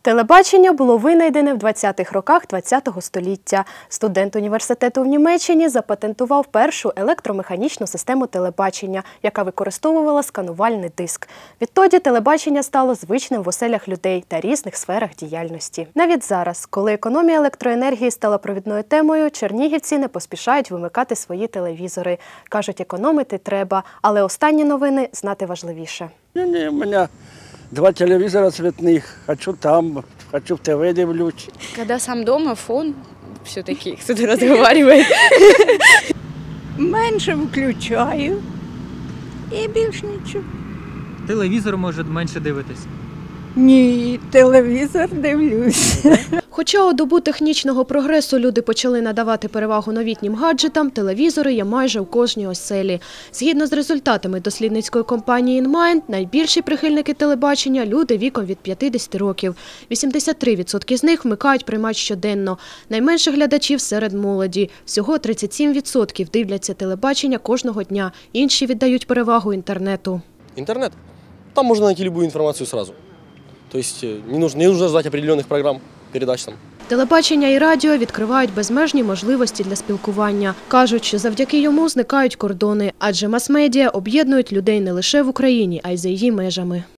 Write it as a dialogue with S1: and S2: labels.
S1: Телебачення було винайдене в 20-х роках ХХ століття. Студент університету в Німеччині запатентував першу електромеханічну систему телебачення, яка використовувала сканувальний диск. Відтоді телебачення стало звичним в оселях людей та різних сферах діяльності. Навіть зараз, коли економія електроенергії стала провідною темою, чернігівці не поспішають вимикати свої телевізори. Кажуть, економити треба, але останні новини знати важливіше.
S2: У мене 2 телевизора цветных, хочу там, хочу в ТВ дивлюсь.
S3: Когда сам дома, фон все-таки кто-то разговаривает.
S4: Менше включаю і більш нічого.
S5: Телевізор, може, менше дивитись?
S4: Ні, телевізор дивлюсь.
S1: Хоча у добу технічного прогресу люди почали надавати перевагу новітнім гаджетам, телевізори є майже у кожній оселі. Згідно з результатами дослідницької компанії InMind, найбільші прихильники телебачення – люди віком від 50 років. 83% з них вмикають приймач щоденно. Найменше глядачів серед молоді. Всього 37% дивляться телебачення кожного дня. Інші віддають перевагу інтернету.
S6: Интернет. Там можно найти любую информацию сразу. То есть не нужно ждать определенных программ, передач там.
S1: Телебачення і радіо відкривають безмежні можливості для спілкування. Кажуть, що завдяки йому зникають кордони, адже мас-медіа об'єднують людей не лише в Україні, а й за її межами.